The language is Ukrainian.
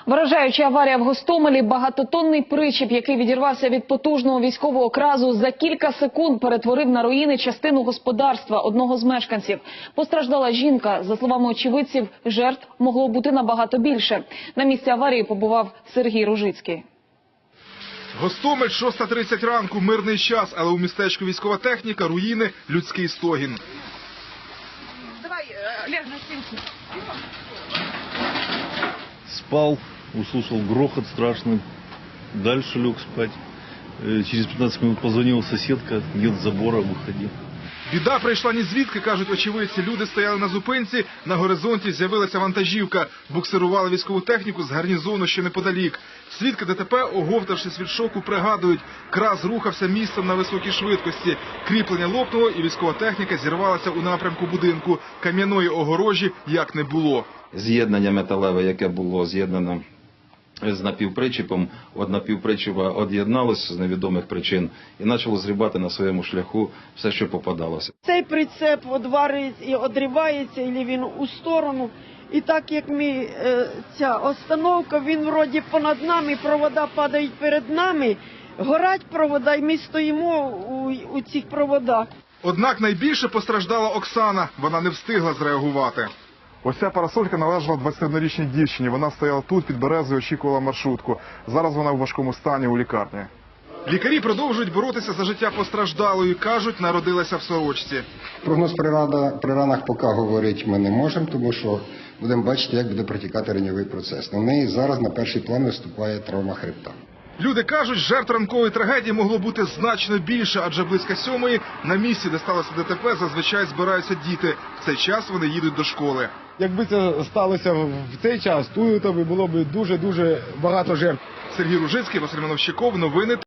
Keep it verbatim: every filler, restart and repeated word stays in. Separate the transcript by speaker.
Speaker 1: Вражаюча аварія в Гостомелі. Багатотонний причіп, який відірвався від потужного військового кразу, за кілька секунд перетворив на руїни частину господарства одного з мешканців. Постраждала жінка. За словами очевидців, жертв могло бути набагато більше. На місці аварії побував Сергій Ружицький.
Speaker 2: Гостомель, шоста тридцять ранку, мирний час, але у містечку військова техніка, руїни, людський стогін.
Speaker 1: Давай, ляг на стінку.
Speaker 3: Спал, услышал грохот страшный, дальше лег спать. Через пятнадцать минут позвонила соседка, нет забора, выходи.
Speaker 2: Біда прийшла ні звідки, кажуть очевидці. Люди стояли на зупинці, на горизонті з'явилася вантажівка. Буксирували військову техніку з гарнізону, що неподалік. Свідки ДТП, оговтавшись від шоку, пригадують, краз рухався містом на високій швидкості. Кріплення лопнуло і військова техніка зірвалася у напрямку будинку. Кам'яної огорожі як не було.
Speaker 4: З'єднання металеве, яке було з'єднане з напівпричіпом, от напівпричіпа од'єдналося з невідомих причин і почало зрібати на своєму шляху все, що попадалося.
Speaker 5: Цей прицеп одварюється і одривається, і він у сторону. І так як ми, е, ця остановка, він вроді понад нами, провода падають перед нами, горять провода, і ми стоїмо у, у цих проводах.
Speaker 2: Однак найбільше постраждала Оксана. Вона не встигла зреагувати. Ось ця парасолька належала двадцятиоднорічній дівчині. Вона стояла тут, під березою, очікувала маршрутку. Зараз вона у важкому стані у лікарні. Лікарі продовжують боротися за життя постраждалої. Кажуть, народилася в сорочці.
Speaker 6: Прогноз при, рада, при ранах поки говорити ми не можемо, тому що будемо бачити, як буде протікати раньовий процес. На неї зараз на перший план виступає травма хребта.
Speaker 2: Люди кажуть, жертв ранкової трагедії могло бути значно більше, адже близько сьомої на місці, де сталося ДТП, зазвичай збираються діти. В цей час вони їдуть до школи.
Speaker 7: Якби це сталося в цей час, то було б дуже-дуже багато жертв.
Speaker 2: Сергій Ружицький, Василь Мановщиков, новини.